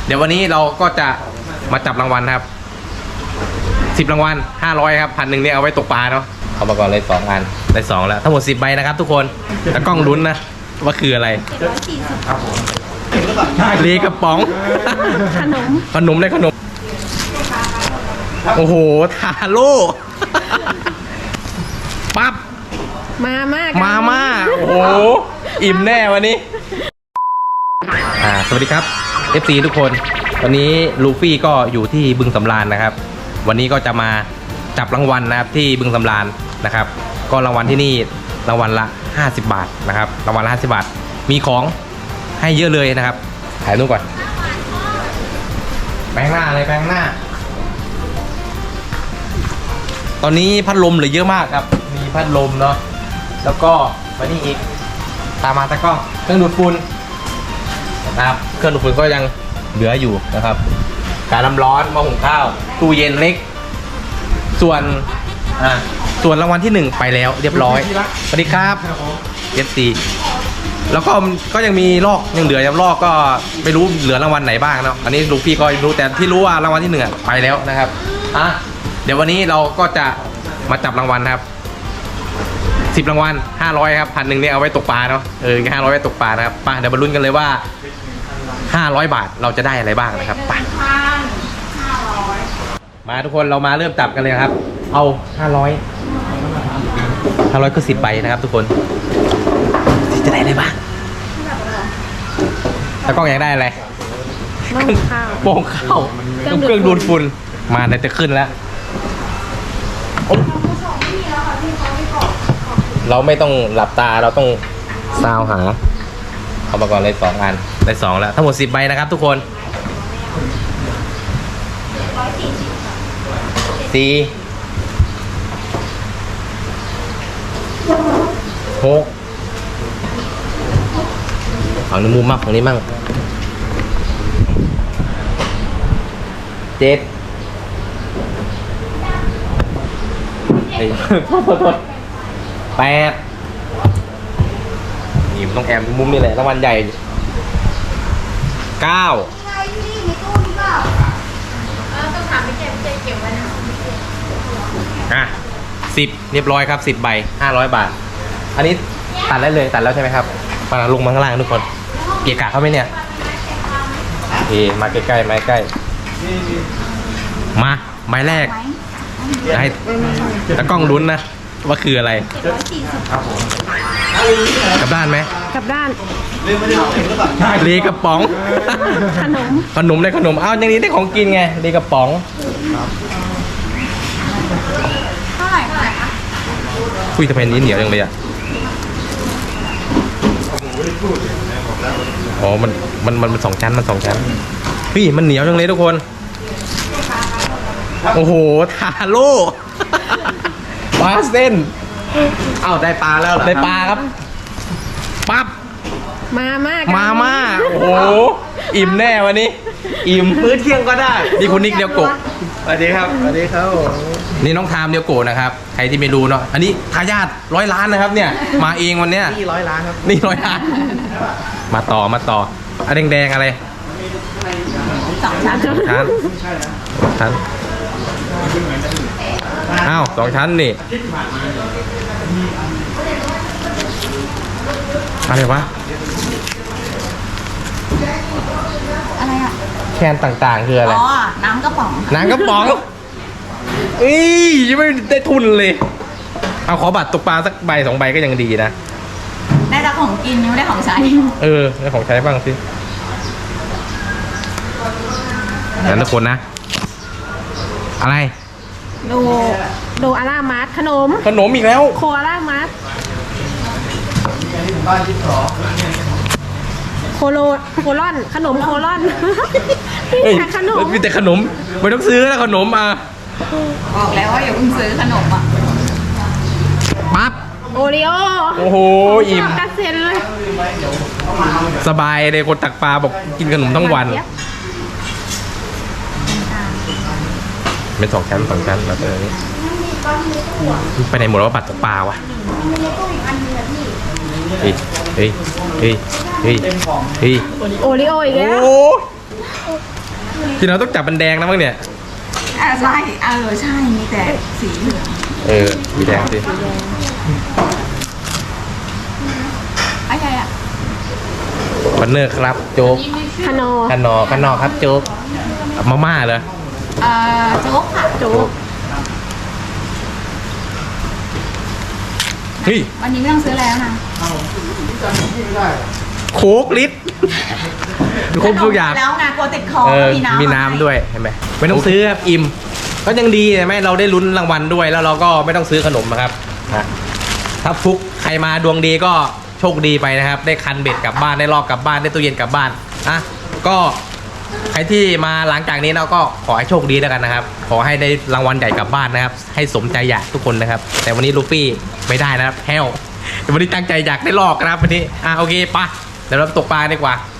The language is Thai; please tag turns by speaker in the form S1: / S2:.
S1: เดี๋ยววันนี้เราก็จะมาจับรางวัลครับ10รางวัล500ครับ1,000เนี่ยเอาไว้ตกปลาเนาะเอามาก่อนเลย2อันได้2แล้วทั้งหมด10ใบนะครับทุกคนแต่กล้องลุ้นนะว่าคืออะไร
S2: 740ครับผม
S1: เลกระป๋อง
S2: ขนม
S1: เลยขนมโอ้โหทาโร่ปั๊บมาโอ้โหอิ่มแน่วันนี้สวัสดีครับ FC ทุกคนวันนี้ลูฟี่ก็อยู่ที่บึงสำราญนะครับวันนี้ก็จะมาจับรางวัลนะครับที่บึงสำราญนะครับก็รางวัลที่นี่รางวัลละ50 บาทนะครับรางวัลละ50 บาทมีของให้เยอะเลยนะครับถ่ายรูปก่อนแปลงหน้าเลยแปลงหน้าตอนนี้พัดลมเหลือเยอะมากครับมีพัดลมเนาะแล้วก็มานี่อีกตามมาตะกล้องเครื่องดูดฝุ่นนะครับเครื่องดูดฝุ่นก็ยังเหลืออยู่นะครับการน้ำร้อนหม้อหุงข้าวตู้เย็นเล็กส่วนรางวัลที่1ไปแล้วเรียบร้อยสวัสดีครับFCแล้วก็ยังมีลอกยังเหลือยังลอกก็ไม่รู้เหลือรางวัลไหนบ้างเนาะอันนี้ลูกพี่ก็รู้แต่ที่รู้ว่ารางวัลที่1ไปแล้วนะครับเดี๋ยววันนี้เราก็จะมาจับรางวัลครับ10รางวัล500ครับ1,000เนี่ยเอาไว้ตกปลาเนาะ500ไว้ตกปลานะครับเดี๋ยวมาลุ้นกันเลยว่า500 บาทเราจะได้อะไรบ้างนะครับไปมาทุกคนเรามาเริ่มจับกันเลยครับเอา500ก็10ใบนะครับทุกคนจะได้อะไรบ้างแล้วกล้องอยากได้อะไรโป่งข้าวเครื่องดูดฝุ่นมาเดี๋ยวจะขึ้นแล้วเราไม่ต้องหลับตาเราต้องซาวหาเอามาก่อนเลย2อันได้2แล้วทั้งหมด10ใบนะครับทุกคน4 6ฝั่งนี้มุมมากฝั่งนี้มั่ง78นี่มันต้องแอมมุมนี่แหละรางวัลใหญ่9
S2: ต้องถามพี่เก็บไว้นะ
S1: 10เรียบร้อยครับ10ใบ500 บาทอันนี้ตัดได้เลยตัดแล้วใช่ไหมครับมาลงมาข้างล่างทุกคนเกียร์กะเข้าไหมเนี่ยมาใกล้ๆมาใกล้มาใบแรกจะให้ตะกล้องลุ้นนะว่าคืออะไร
S2: 740
S1: กลับด้านไหม
S2: กลับด้าน
S1: เลกระป๋องขนมเลยขนมอ้าวอย่างนี้ได้ของกินไงเลกระป๋อง
S2: เท่าไหร่คะ
S1: คุยทำไมนี้เหนียวจังเลยอ่ะอ๋อมัน2 ชั้นมัน2 ชั้นพี่มันเหนียวจังเลยทุกคนโอ้โหทาโร่ปลาเส้น
S3: อ้าวได้ปลาแล้วเหรอ
S1: ได้ปลาครับปั๊บมาโอ้โหอิ่มแน่วันนี้อิ่ม
S3: มื้อเที่ยงก็ได้
S1: นี่คุณนิกเดียวโกะ
S3: สวัสดีครับ
S1: นี่น้องทามเดียวโกะนะครับใครที่ไม่รู้เนาะอันนี้ทายาท100 ล้านนะครับเนี่ยมาเองวันเนี้ย
S3: นี่100 ล้านครับ
S1: นี่100 ล้านมาต่ออันแดงอะไร
S2: 2 ชั้น
S1: อ้าว2 ชั้นนี่อะไรวะ
S2: อะไรอ่ะ
S1: แคนต่างๆคืออะไร
S2: อ๋อน้ำกระป๋อง
S1: ยังไม่ได้ทุนเลยเอาขอบัตรตกปลาสักใบ2 ใบก็ยังดีนะ
S2: ได้แต่ของกินยังไม่ได้ของใช้
S1: ได้ของใช้บ้างสินั่นทุกคนนะอะไร
S2: ดูอารามาร์ทขนม
S1: อีกแล้ว
S2: โคอารามาร์ทโคลอนขนมโคลอน
S1: มีแต่ขนมไม่ต้องซื้อแล้วขนม
S2: บอกแล้วว่าอย่าเพิ่งซื้อขนม
S1: ปั๊บ
S2: โอริโอ
S1: โอ้โหอิ่ม
S2: กระเซ็นเลย
S1: สบายเลยคนตักปลาบอกกินขนมทั้งวันเป็น2 ชั้นแล้วตัวนี้ไปไหนหมดแล้วบัตรตกปลาวะเฮ้ย
S2: โอริโออีกแล้ว
S1: พี่น้องต้องจับมันแดงนะมั้งเนี่ย
S4: ใช่ใช่ มีแต่สีเหลือง
S1: มีแดงสิ
S4: อะไรอ่ะ
S1: คอนเนอร์ครับโจ๊ก
S2: คานอ
S1: กันนอครับโจ๊กมาม่าเหรอ
S4: โจ๊กค่ะ โจ๊ก
S1: เฮ้ย
S4: วันนี้ไม่ต้องซื้อแล้วนะ
S1: โค้กลิตรครบทุกอย่าง
S4: แล้วไงกลัวติดคอ
S1: มีน้ำด้วยเห็นไหมไม่ต้องซื้อครับอิ่มก็ยังดีใช่ไหมเราได้ลุ้นรางวัลด้วยแล้วเราก็ไม่ต้องซื้อขนมนะครับถ้าฟุกใครมาดวงดีก็โชคดีไปนะครับ ได้คันเบ็ดกลับบ้านได้ลอกกลับบ้านได้ตู้เย็นกลับบ้านอ่ะก็ใครที่มาหลังจากนี้เราก็ขอให้โชคดีแล้วกันนะครับ ขอให้ได้รางวัลใหญ่กลับบ้านนะครับ ให้สมใจอยากทุกคนนะครับ แต่วันนี้ลูฟี่ไม่ได้นะครับแฮววันนี้ตั้งใจอยากได้ลอกนะครับวันนี้โอเคปะเดี๋ยวเราตกปลาดีกว่า